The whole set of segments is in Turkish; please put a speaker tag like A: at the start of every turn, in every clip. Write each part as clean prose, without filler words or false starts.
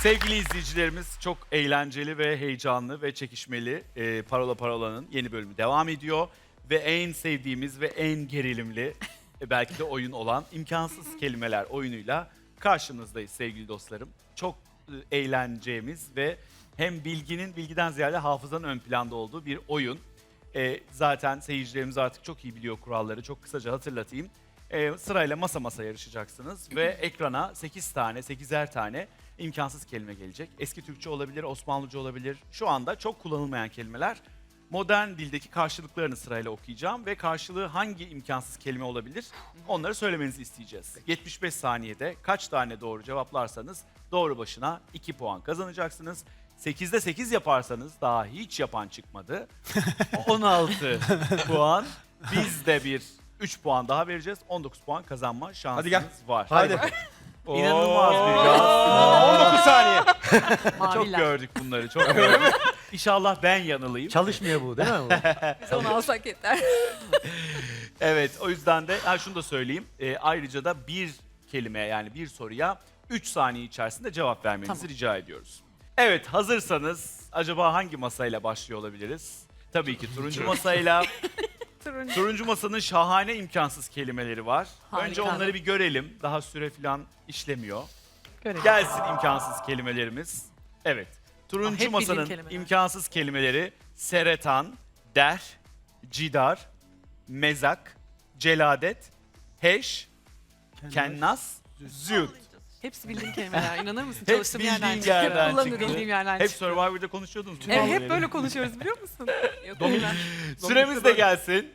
A: Sevgili izleyicilerimiz, çok eğlenceli ve heyecanlı ve çekişmeli Parola Parola'nın yeni bölümü devam ediyor. Ve en sevdiğimiz ve en gerilimli belki de oyun olan imkansız kelimeler oyunuyla karşınızdayız sevgili dostlarım. Çok eğleneceğimiz ve hem bilgiden ziyade hafızanın ön planda olduğu bir oyun. Zaten seyircilerimiz artık çok iyi biliyor kuralları. Çok kısaca hatırlatayım. Sırayla masa yarışacaksınız ve ekrana 8'er tane imkansız kelime gelecek. Eski Türkçe olabilir, Osmanlıca olabilir. Şu anda çok kullanılmayan kelimeler. Modern dildeki karşılıklarını sırayla okuyacağım ve karşılığı hangi imkansız kelime olabilir onları söylemenizi isteyeceğiz. 75 saniyede kaç tane doğru cevaplarsanız doğru başına 2 puan kazanacaksınız. 8'de 8 yaparsanız daha hiç yapan çıkmadı. 16 puan. Biz de 3 puan daha vereceğiz. 19 puan kazanma şansınız var.
B: Hadi.
A: İnanılmaz bir gaz.
B: 19 saniye.
A: Çok gördük bunları, çok gördük. İnşallah ben yanılayım.
C: Çalışmıyor bu değil mi?
D: Biz onu alsak yeter.
A: Evet, o yüzden de şunu da söyleyeyim. Ayrıca da bir kelime yani bir soruya 3 saniye içerisinde cevap vermenizi rica ediyoruz. Evet, hazırsanız acaba hangi masayla başlıyor olabiliriz? Tabii ki turuncu masayla. Turuncu masanın şahane imkansız kelimeleri var.
D: Harika.
A: Önce onları bir görelim. Daha süre falan işlemiyor.
D: Görelim.
A: Gelsin imkansız kelimelerimiz. Evet. Turuncu
D: hep bildiğim
A: masanın
D: kelimeler.
A: imkansız kelimeleri seretan, der, cidar, mezak, celadet, heş, kennas, züğüt.
D: Hepsi bildiğim kelimeler. İnanır mısın?
A: Hep
D: Çalıştığım yerden
A: bildiğin
D: çıktı.
A: yerden
D: Kullanırım.
A: çıktı.
D: Bildiğim yerden
A: Hep
D: çıktı.
A: Survivor'da konuşuyordunuz. bu
D: Evet,
A: konuları.
D: hep böyle konuşuyoruz biliyor musun? Yok,
A: Süremiz de gelsin.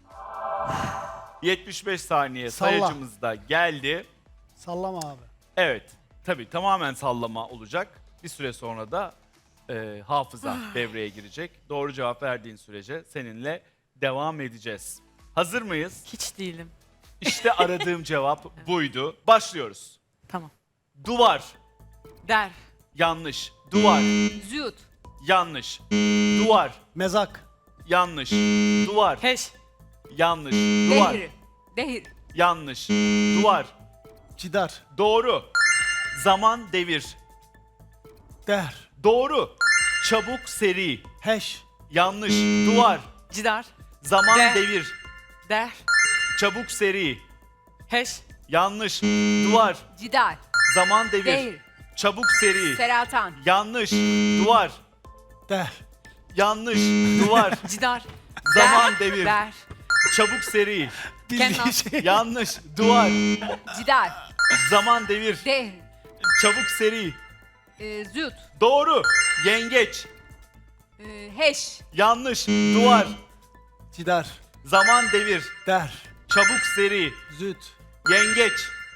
A: 75 saniye
B: Salla.
A: sayacımız da geldi.
B: Sallama abi.
A: Evet, tabii tamamen sallama olacak. Bir süre sonra da hafıza devreye girecek. Doğru cevap verdiğin sürece seninle devam edeceğiz. Hazır mıyız?
D: Hiç değilim.
A: İşte aradığım cevap buydu. Başlıyoruz.
D: Tamam.
A: Duvar,
D: Der.
A: yanlış. Duvar,
D: Züğüt.
A: yanlış. Duvar,
B: Mezak.
A: yanlış. Duvar,
D: Heş.
A: yanlış. Duvar,
D: Dehir. Dehir.
A: yanlış. Duvar,
B: Cidar.
A: doğru. Zaman, devir.
B: Der.
A: Doğru. Çabuk, seri.
B: Heş.
A: Yanlış. Duvar,
D: Cidar.
A: zaman,
D: Der.
A: devir.
D: Der.
A: Çabuk, seri.
D: Heş.
A: Yanlış. Duvar,
E: Cidar,
A: zaman, devir.
E: Dehir,
A: Çabuk, seri.
E: Seratan,
A: Yanlış. Duvar,
B: Der.
A: yanlış. Duvar,
D: Cidar.
A: zaman, devir.
D: Der.
A: Çabuk, seri.
B: Bildiğin
D: Kennas.
B: şey.
A: Yanlış. Duvar,
E: Cidar,
A: zaman, devir.
E: Dehir,
A: Çabuk, seri.
E: Züt,
A: Doğru. Yengeç.
E: Heş,
A: Yanlış. Duvar,
B: Cidar.
A: zaman, devir.
B: Der.
A: Çabuk, seri.
B: Züt.
A: Yengeç.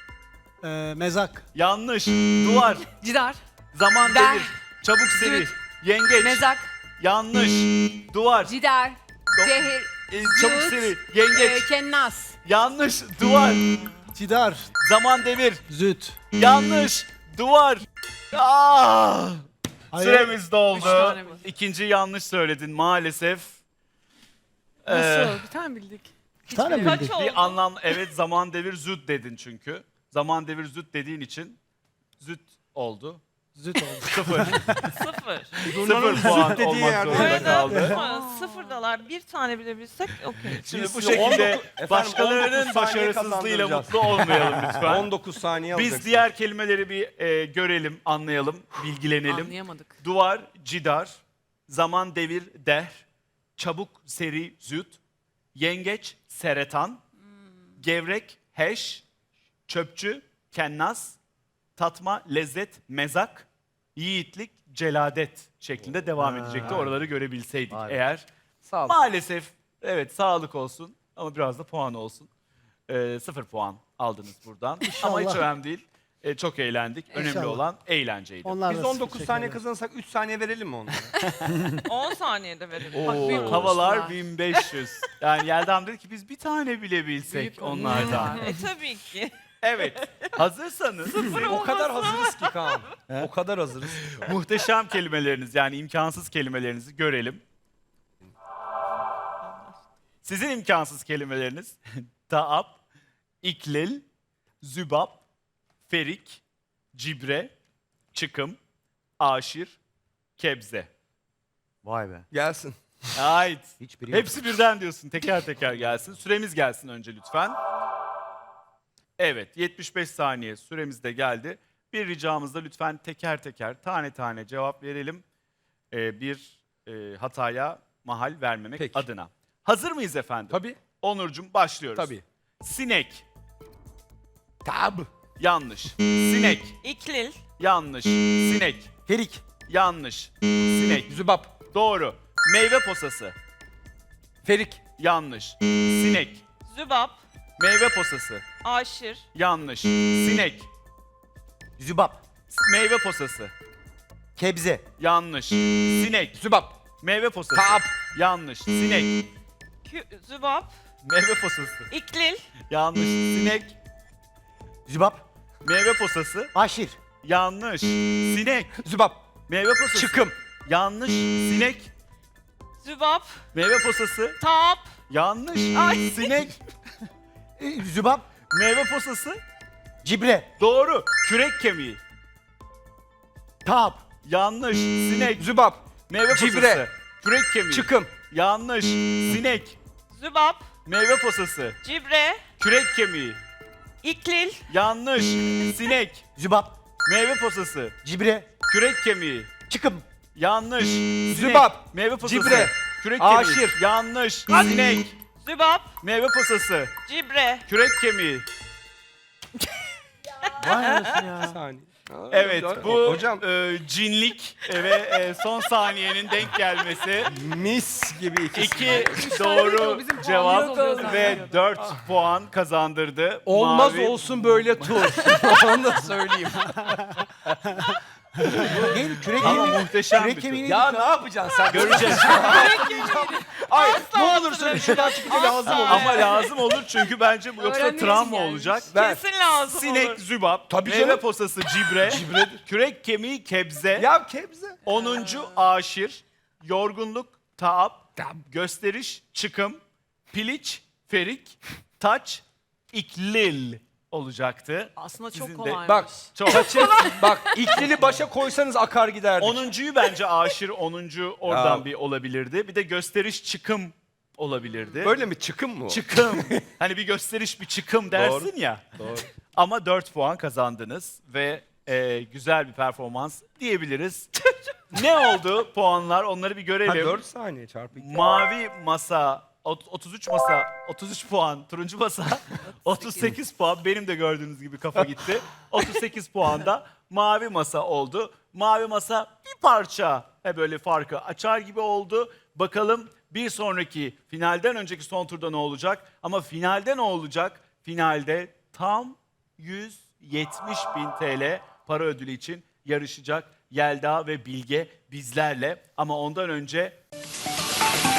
B: Mezak.
A: Yanlış. Duvar,
D: Cidar.
A: zaman,
D: Der.
A: devir. Çabuk, seri.
D: Züt.
A: Yengeç.
D: Mezak.
A: Yanlış. Duvar,
E: Cidar, Dehir,
A: çabuk,
E: Züt,
A: seri. Yengeç.
E: Kennas,
A: Yanlış. Duvar,
B: Cidar.
A: zaman, devir.
B: Züt.
A: Yanlış. Duvar. Ah!
B: Hayır.
A: Süremiz
D: Üç
A: doldu.
D: tane bildik.
A: İkinci yanlış söyledin maalesef.
D: Nasıl? Bir tane bildik.
B: Bir tane mi
D: Kaç
B: bildik?
D: oldu?
A: Bir anlam, evet, zaman, devir, züt dedin çünkü. Zaman, devir, züt dediğin için züt oldu.
B: Züt oldu.
A: Sıfır.
F: Sıfır.
A: Sıfır puan
B: dediği
A: olmak
B: yerde.
A: zorunda kaldı.
F: Sıfırdalar. Bir tane bile bilsek okey.
A: Şimdi bu
B: size
A: şekilde
B: 19
A: başkalarının
B: 19 saniye
A: başarısızlığıyla
B: kazandıracağız.
A: mutlu olmayalım lütfen.
B: 19 saniye
A: Biz
B: alacaksın.
A: diğer kelimeleri bir görelim, anlayalım, bilgilenelim.
D: Anlayamadık.
A: Duvar, cidar, zaman, devir, der, çabuk, seri, züt, yengeç, seretan, gevrek, heş, çöpçü, kennas, tatma, lezzet, mezak, yiğitlik, celadet şeklinde devam edecekti. Oraları görebilseydik
C: Vay be.
A: eğer.
C: Sağ ol.
A: Maalesef evet, sağlık olsun ama biraz da puan olsun. 0 puan aldınız buradan. Ama hiç
B: İnşallah.
A: önemli değil. Çok eğlendik. Önemli
B: İnşallah.
A: olan eğlenceydi.
B: Onlar
G: Biz
B: da
G: 19
B: teşekkür
G: saniye
B: ederim.
G: kazanırsak 3 saniye verelim mi onlara?
F: 10 saniyede verelim.
A: Oo,
D: büyük
A: havalar
D: konuştular.
A: 1500. Yani Yeldam dedi ki biz bir tane bile bilsek
D: Büyük
A: onlardan.
D: konuştular.
F: Tabii ki.
A: Evet. Hazırsanız
G: O kadar hazırız ki Kaan. O kadar hazırız ki şu an.
A: muhteşem kelimeleriniz yani imkansız kelimelerinizi görelim. Sizin imkansız kelimeleriniz taap, iklil, zübap, ferik, cibre, çıkım, aşir, kebze.
B: Vay be.
G: Gelsin.
A: Ait.
B: Hiçbiri
A: Hepsi birden diyorsun. Teker teker gelsin. Süremiz gelsin önce lütfen. Evet, 75 saniye süremiz de geldi. Bir ricamızda lütfen teker teker, tane tane cevap verelim. Bir hataya mahal vermemek
G: Peki.
A: adına. Hazır mıyız efendim?
G: Tabii.
A: Onurcuğum başlıyoruz.
G: Tabii.
A: Sinek.
G: Tab.
A: Yanlış. Sinek.
F: İklil.
A: Yanlış. Sinek.
B: Ferik.
A: Yanlış. Sinek.
G: Zübap.
A: Doğru. Meyve posası.
G: Ferik.
A: Yanlış. Sinek.
F: Zübap.
A: Meyve posası.
F: Aşir.
A: Yanlış. Sinek.
B: Zübap.
A: Meyve posası.
B: Kebze.
A: Yanlış. Sinek.
G: Zübap.
A: Meyve posası.
G: Kap.
A: Yanlış. Sinek.
F: Zübap.
A: Meyve posası.
F: İklil.
A: Yanlış. Sinek.
B: Zübap.
A: Meyve posası.
B: Aşir.
A: Yanlış. Sinek.
G: Zübap.
A: Meyve posası.
G: Çıkım.
A: Yanlış. Sinek.
F: Zübap.
A: Meyve posası.
F: Tap.
A: Yanlış. Sinek.
B: Zübap.
A: Meyve posası.
B: Cibre.
A: Doğru. Kürek kemiği.
B: Tap.
A: Yanlış. Sinek.
G: Zübap.
A: Meyve posası.
G: Cibre.
A: Kürek kemiği.
G: Çıkım.
A: Yanlış. Sinek.
F: Zübap.
A: Meyve posası.
F: Cibre.
A: Kürek kemiği.
F: İklil.
A: Yanlış. Sinek.
B: Zübap.
A: Meyve posası.
B: Cibre.
A: Kürek kemiği.
B: Çıkım.
A: Yanlış. Sinek.
G: Zübap.
A: Meyve posası.
G: Cibre.
A: Kürek kemiği.
G: Aşir.
A: Yanlış. Sinek.
F: Zübap.
A: Meyve posası.
F: Cibre.
A: Kürek kemiği.
B: Vay anasını ya.
G: Bir saniye.
A: Evet bu
G: Hocam
A: cinlik ve son saniyenin denk gelmesi.
G: mis gibi ikisi.
A: 2 doğru
D: bizim
A: cevap
D: puanımız oluyor
A: ve
D: zaten.
A: 4 puan kazandırdı.
G: Olmaz
A: Mavi.
G: olsun böyle tur. Onu da söyleyeyim.
B: Neydi? Kürek
A: Ama
B: kemiği.
A: muhteşem
B: Kürek
A: bir
B: kemiği
A: tur.
B: neydi?
G: Ya ne yapacaksın sen?
A: Göreceğiz.
G: Ay ne olur söyle şuradan çıkınca lazım olur.
A: Ama lazım olur çünkü bence bu yoksa
E: Öğrenmek
A: travma
E: için gelmiş.
A: olacak.
G: Ver.
F: Kesin lazım
A: Sinek,
F: olur.
A: zübap,
G: Tabii
A: meyve
G: canım.
A: posası cibre, kürek kemiği kebze,
G: Ya kebze.
A: 10. aşir, yorgunluk, taap, gösteriş, çıkım, piliç, ferik, taç, iklil olacaktı.
D: Aslında çok
A: Sizin de-
D: kolaymış.
G: Bak
A: Çok.
G: bak iklili başa koysanız akar giderdik.
A: 10'uncuyu bence aşir, 10. oradan
G: Ya.
A: bir olabilirdi. Bir de gösteriş, çıkım olabilirdi.
G: Böyle mi çıkım mı o?
A: Çıkım. Hani bir gösteriş, bir çıkım dersin ya.
G: Doğru.
A: Ama 4 puan kazandınız ve güzel bir performans diyebiliriz. Ne oldu puanlar? Onları bir
G: Ha,
A: görelim.
G: 4 saniye çarpı 2.
A: Mavi masa 33 masa 33 puan, turuncu masa 38 puan. Benim de gördüğünüz gibi kafa gitti. 38 puanda mavi masa oldu. Mavi masa bir parça böyle farkı açar gibi oldu. Bakalım bir sonraki finalden önceki son turda ne olacak? Ama finalde ne olacak? Finalde tam 170.000 TL para ödülü için yarışacak Yelda ve Bilge bizlerle. Ama ondan önce